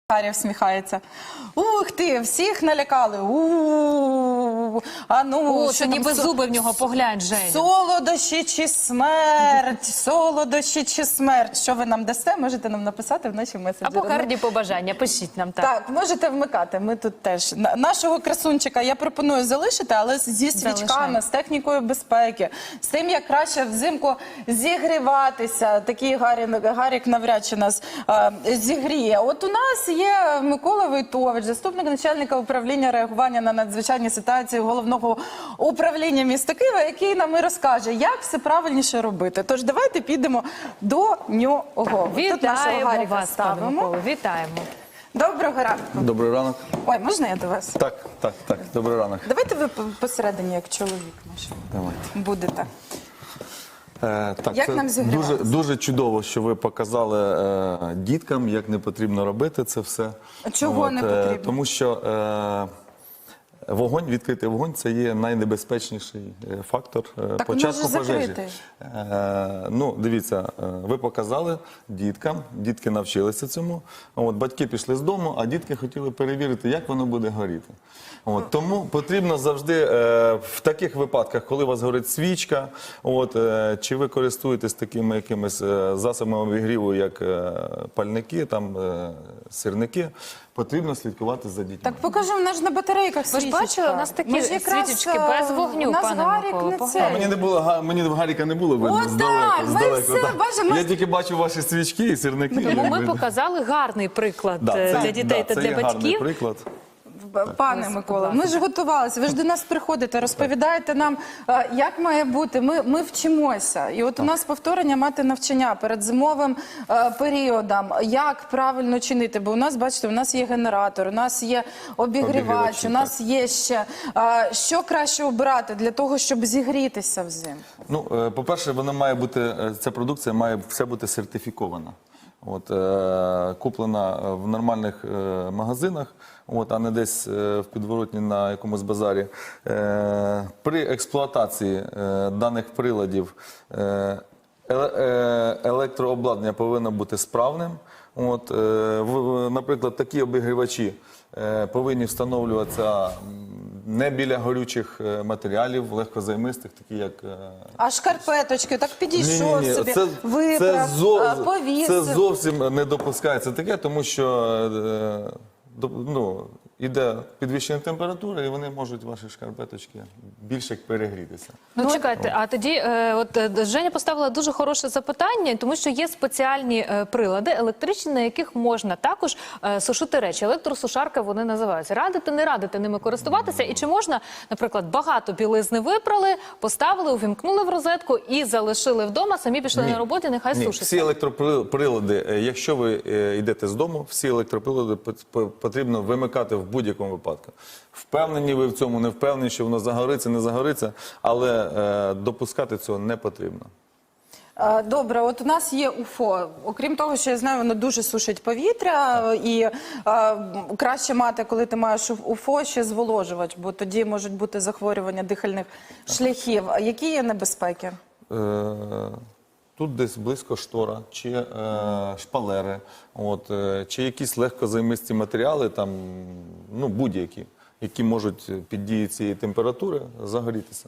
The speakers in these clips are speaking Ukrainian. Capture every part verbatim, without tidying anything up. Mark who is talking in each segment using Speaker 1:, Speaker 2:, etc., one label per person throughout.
Speaker 1: Харя всміхається. Ух ти, всіх налякали. У-у-у. А ну,
Speaker 2: О,
Speaker 1: що
Speaker 2: це
Speaker 1: там
Speaker 2: ніби
Speaker 1: со-
Speaker 2: зуби в нього, поглянь, Женя.
Speaker 1: Солодощі чи смерть? Солодощі чи смерть? Що ви нам дасте? Можете нам написати в наші меседжери.
Speaker 2: Або гарні побажання, пишіть нам так.
Speaker 1: Так, можете вмикати, ми тут теж. На- Нашого красунчика я пропоную залишити, але зі свічками,
Speaker 2: Залишаємо.
Speaker 1: з технікою безпеки, з тим, як краще взимку зігріватися. Такий Гарік, Гарік навряд чи нас а, зігріє. От у нас є Микола Войтович, заступник начальника управління реагування на надзвичайні ситуації Головного управління міста Києва, який нам і розкаже, як все правильніше робити. Тож давайте підемо до нього. Тут нашого
Speaker 2: Вітаємо
Speaker 1: Гаріка
Speaker 2: вас, пане
Speaker 1: ставимо.
Speaker 2: Миколо, вітаємо.
Speaker 1: Доброго ранку.
Speaker 3: Добрий ранок.
Speaker 1: Ой, можна я до вас?
Speaker 3: Так, так, так. Добрий ранок.
Speaker 1: Давайте ви по- посередині, як чоловік наш,
Speaker 3: Давайте.
Speaker 1: будете.
Speaker 3: Е, так,
Speaker 1: Як
Speaker 3: це
Speaker 1: нам зігріватися?
Speaker 3: дуже, дуже чудово, що ви показали е, діткам, як не потрібно робити це все.
Speaker 1: А чого не
Speaker 3: е,
Speaker 1: потрібно?
Speaker 3: Тому що е, вогонь, відкритий вогонь, це є найнебезпечніший е, фактор е,
Speaker 1: Так
Speaker 3: початку
Speaker 1: може
Speaker 3: пожежі.
Speaker 1: закрити?
Speaker 3: Е, ну, дивіться, е, ви показали діткам, дітки навчилися цьому. От, батьки пішли з дому, а дітки хотіли перевірити, як воно буде горіти. От, тому потрібно завжди е, в таких випадках, коли у вас горить свічка, от, е, чи ви користуєтесь такими якимись е, засобами обігріву, як е, пальники, там, е, сирники, потрібно слідкувати за дітьми.
Speaker 1: Так покажемо, в нас ж на батарейках
Speaker 2: Ви ж
Speaker 1: свічечка.
Speaker 2: бачили, у нас такі
Speaker 1: Ми ж якраз,
Speaker 2: свічечки
Speaker 1: е,
Speaker 2: без вогню,
Speaker 1: у нас
Speaker 2: пане
Speaker 1: Гарік
Speaker 2: Миколо,
Speaker 1: не
Speaker 2: поглянь.
Speaker 3: А мені
Speaker 1: це.
Speaker 3: не було, га- мені в Гаріка не було видно
Speaker 1: От
Speaker 3: здалеку.
Speaker 1: так, ми
Speaker 3: здалеку,
Speaker 1: все
Speaker 3: так.
Speaker 1: бачимо.
Speaker 3: Я тільки бачу ваші свічки і сирники.
Speaker 2: Тому ми
Speaker 3: якби.
Speaker 2: показали гарний приклад
Speaker 3: Да,
Speaker 2: е,
Speaker 3: це-
Speaker 2: для дітей
Speaker 3: да,
Speaker 2: та
Speaker 3: це
Speaker 2: для
Speaker 3: є гарний
Speaker 2: батьків.
Speaker 3: приклад.
Speaker 1: Пане Микола, ми ж готувалися, ви ж до нас приходите, розповідаєте нам, е, як має бути, ми, ми вчимося. І от у нас повторення мати навчання перед зимовим е, періодом, як правильно чинити, бо у нас, бачите, у нас є генератор, у нас є обігрівач,
Speaker 3: Обігрівачі,
Speaker 1: у нас є ще, е, що краще обирати для того, щоб зігрітися взимку?
Speaker 3: Ну, е, по-перше, вона має бути, е, ця продукція має все бути сертифікована. От, е, куплена в нормальних е, магазинах, от, а не десь е, в підворотні на якомусь базарі. Е, при експлуатації е, даних приладів е, еле- е, електрообладнання повинно бути справним. От, е, в, наприклад, такі обігрівачі е, повинні встановлюватися м, не біля горючих е, матеріалів, легкозаймистих, такі як е,
Speaker 1: А шкарпеточки, так підійшов
Speaker 3: Ні-ні-ні,
Speaker 1: собі,
Speaker 3: це,
Speaker 1: виправ,
Speaker 3: це, зо-
Speaker 1: е, повісив.
Speaker 3: це зовсім не допускається таке, тому що е, до- ну, іде підвищення температури, і вони можуть, ваші шкарпеточки, більше перегрітися.
Speaker 2: Ну, чекайте, а тоді е, от е, Женя поставила дуже хороше запитання, тому що є спеціальні е, прилади електричні, на яких можна також е, сушити речі. Електросушарка вони називаються. Радите, не радите ними користуватися? І чи можна, наприклад, багато білизни випрали, поставили, увімкнули в розетку і залишили вдома, самі пішли
Speaker 3: Ні.
Speaker 2: на роботу, нехай
Speaker 3: Ні,
Speaker 2: сушиться?
Speaker 3: всі електроприлади, е, якщо ви е, йдете з дому, всі електроприлади пот- по- потрібно вимикати в будь-якому випадку. Впевнені ви в цьому, не впевнені, що воно загориться, не загориться, але е, допускати цього не потрібно.
Speaker 1: Е, Добре, от у нас є УФО. Окрім того, що я знаю, воно дуже сушить повітря, і е, краще мати, коли ти маєш УФО, ще зволожувач, бо тоді можуть бути захворювання дихальних шляхів. А які є небезпеки?
Speaker 3: Е, Тут десь близько штора, чи е, шпалери, от, е, чи якісь легкозаймисті матеріали, там, ну, будь-які, які можуть під дією цієї температури загорітися.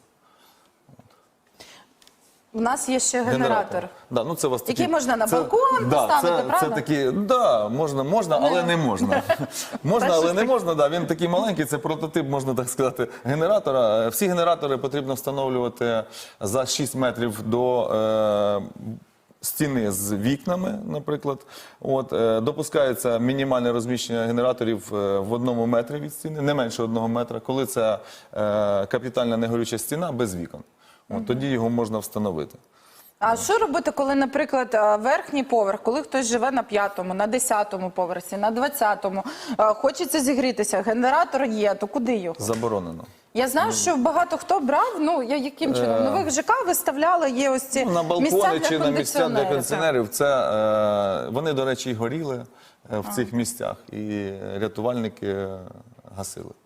Speaker 1: У нас є ще генератор.
Speaker 3: Да, ну це у вас
Speaker 1: Який
Speaker 3: такі-
Speaker 1: можна на
Speaker 3: це-
Speaker 1: балкон
Speaker 3: да,
Speaker 1: поставити,
Speaker 3: це,
Speaker 1: правда?
Speaker 3: Це такі, да, можна, можна, але не можна. Можна, але не можна, да, він такий маленький, це прототип, можна так сказати, генератора. Всі генератори потрібно встановлювати за шість метрів до е, стіни з вікнами, наприклад. От, е, допускається мінімальне розміщення генераторів е, в одному метрі від стіни, не менше одного метра, коли це е, капітальна негорюча стіна без вікон. От, тоді його можна встановити.
Speaker 1: А що робити, коли, наприклад, е, верхній поверх, коли хтось живе на п'ятому, на десятому поверсі, на двадцятому, е, хочеться зігрітися, генератор є, то куди його?
Speaker 3: Заборонено.
Speaker 1: Я знаю, що багато хто брав, ну, я яким чином? В нових ЖК виставляли, є ось ці
Speaker 3: Ну, на
Speaker 1: місця
Speaker 3: балкони
Speaker 1: для
Speaker 3: чи на місця для
Speaker 1: кондиціонерів.
Speaker 3: кондиціонерів. Це, е, вони, до речі, і горіли е, в цих місцях, і рятувальники е, гасили.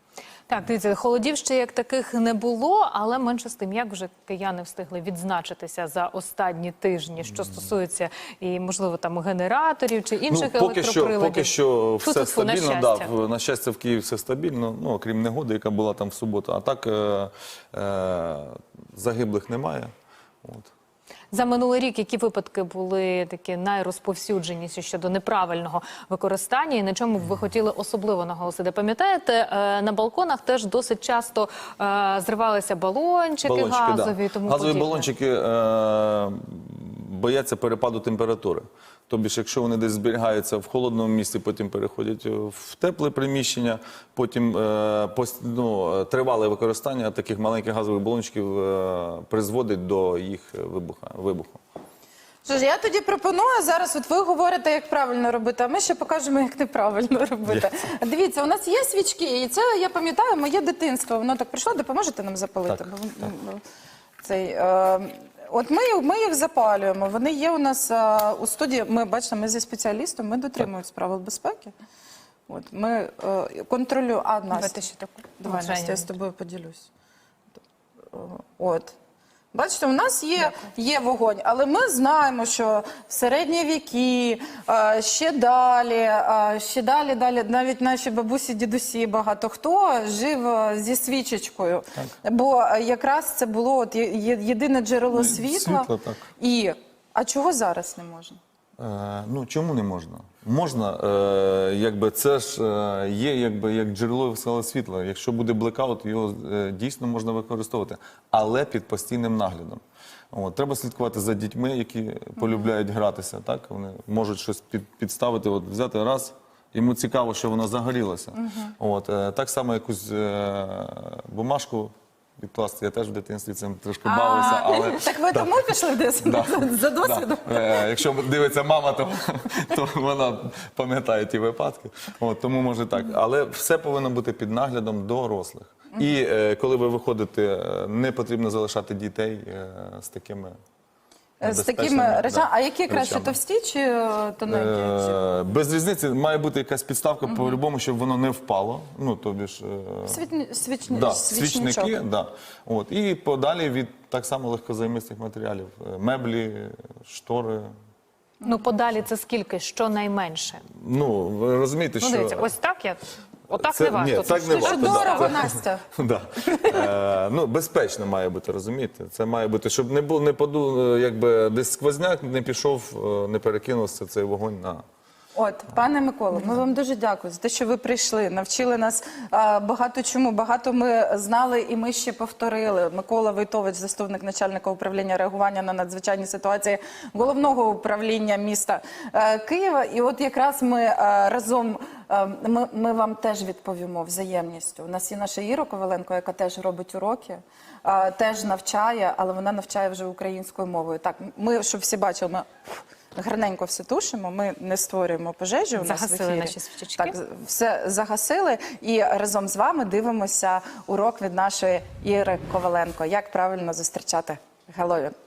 Speaker 2: Так, дивіться, холодів ще як таких не було, але менше з тим, як вже кияни встигли відзначитися за останні тижні, що стосується і, можливо, там генераторів чи інших
Speaker 3: Ну, поки що,
Speaker 2: електроприладів.
Speaker 3: поки що все
Speaker 2: Фу-фу-фу, на
Speaker 3: стабільно,
Speaker 2: щастя.
Speaker 3: да, в- на щастя, в Києві все стабільно, ну, окрім негоди, яка була там в суботу. А так е, е, загиблих немає. От.
Speaker 2: За минулий рік які випадки були такі найрозповсюдженіші щодо неправильного використання і на чому б ви хотіли особливо наголосити? Пам'ятаєте, е, на балконах теж досить часто е, зривалися балончики,
Speaker 3: Балончики,
Speaker 2: газові
Speaker 3: да.
Speaker 2: і тому
Speaker 3: Газові
Speaker 2: подібне.
Speaker 3: балончики е, бояться перепаду температури. Тобто, якщо вони десь зберігаються в холодному місці, потім переходять в тепле приміщення, потім е, пос- ну, тривале використання таких маленьких газових балончиків е, призводить до їх вибуха, вибуху.
Speaker 1: Що ж, я тоді пропоную зараз, от ви говорите, як правильно робити, а ми ще покажемо, як неправильно робити. Дивіться, у нас є свічки, і це, я пам'ятаю, моє дитинство, воно так прийшло, допоможете нам запалити?
Speaker 3: Так,
Speaker 1: Бо, ну, Цей, е, от ми, ми їх запалюємо, вони є у нас е, у студії, ми, бачите, ми зі спеціалістом, ми дотримуємося правил безпеки. От, ми е, контролюємо, а, Настя,
Speaker 2: Давайте ще таку.
Speaker 1: давай,
Speaker 2: От,
Speaker 1: Настя, я
Speaker 2: Женя.
Speaker 1: з тобою поділюсь. От. Бачите, у нас є, є вогонь, але ми знаємо, що в середні віки, е, ще далі, е, ще далі, далі, навіть наші бабусі, дідусі, багато хто жив е, зі свічечкою. Бо е, якраз це було от, є- є- єдине джерело світла.
Speaker 3: світло, так.
Speaker 1: І, а чого зараз не можна?
Speaker 3: Е, ну, чому не можна? Можна, е, якби це ж е, є якби як джерело веселого світла. Якщо буде блекаут, його е, дійсно можна використовувати, але під постійним наглядом. От, треба слідкувати за дітьми, які полюбляють гратися. Так? Вони можуть щось під, підставити, от, взяти раз, йому цікаво, що воно загорілося. От, е, так само якусь е, бумажку підкласти. Я теж в дитинстві цим трошки бавився, але...
Speaker 1: Так ви тому пішли в десь
Speaker 3: Да.
Speaker 1: за досвідом?
Speaker 3: Да. Е, Якщо дивиться мама, то, то вона пам'ятає ті випадки. От, тому може так. Але все повинно бути під наглядом дорослих. І е, коли ви виходите, е, не потрібно залишати дітей е, з такими
Speaker 1: З такими
Speaker 3: небезпечними,
Speaker 1: речами.
Speaker 3: да,
Speaker 1: А які краще,
Speaker 3: речами.
Speaker 1: товсті чи е, тоненькі?
Speaker 3: Е, Без різниці має бути якась підставка по-любому, щоб воно не впало. Ну, тобі ж, е,
Speaker 1: Світні, свічні,
Speaker 3: да,
Speaker 1: свічничок.
Speaker 3: свічники, да. От, і подалі від так само легкозаймистих матеріалів. Е, Меблі, штори.
Speaker 2: Ну, подалі це скільки? Щонайменше?
Speaker 3: Ну, ви розумієте,
Speaker 2: Ну,
Speaker 3: що...
Speaker 2: дивіться, ось так я... Отак
Speaker 3: Це-
Speaker 2: не варто.
Speaker 3: ні, так не
Speaker 1: Дуже
Speaker 3: варто, да.
Speaker 1: дорого,
Speaker 3: Це-
Speaker 1: Настя.
Speaker 3: Да. Е, ну, безпечно має бути, розумієте? Це має бути, щоб не було, не поду, якби десь сквозняк не пішов, е, не перекинувся цей вогонь на...
Speaker 1: От, пане Миколо, ми вам дуже дякую за те, що ви прийшли, навчили нас а, багато чому, багато ми знали і ми ще повторили. Микола Войтович, заступник начальника управління реагування на надзвичайні ситуації головного управління міста е, Києва. І от якраз ми е, разом, е, ми, ми вам теж відповімо взаємністю. У нас є наша Іра Коваленко, яка теж робить уроки, е, теж навчає, але вона навчає вже українською мовою. Так, ми, щоб всі бачили, ми... гарненько все тушимо, ми не створюємо пожежі у нас в
Speaker 2: Загасили
Speaker 1: ефірі.
Speaker 2: наші свічечки.
Speaker 1: Так, все загасили і разом з вами дивимося урок від нашої Іри Коваленко. Як правильно зустрічати Геловін.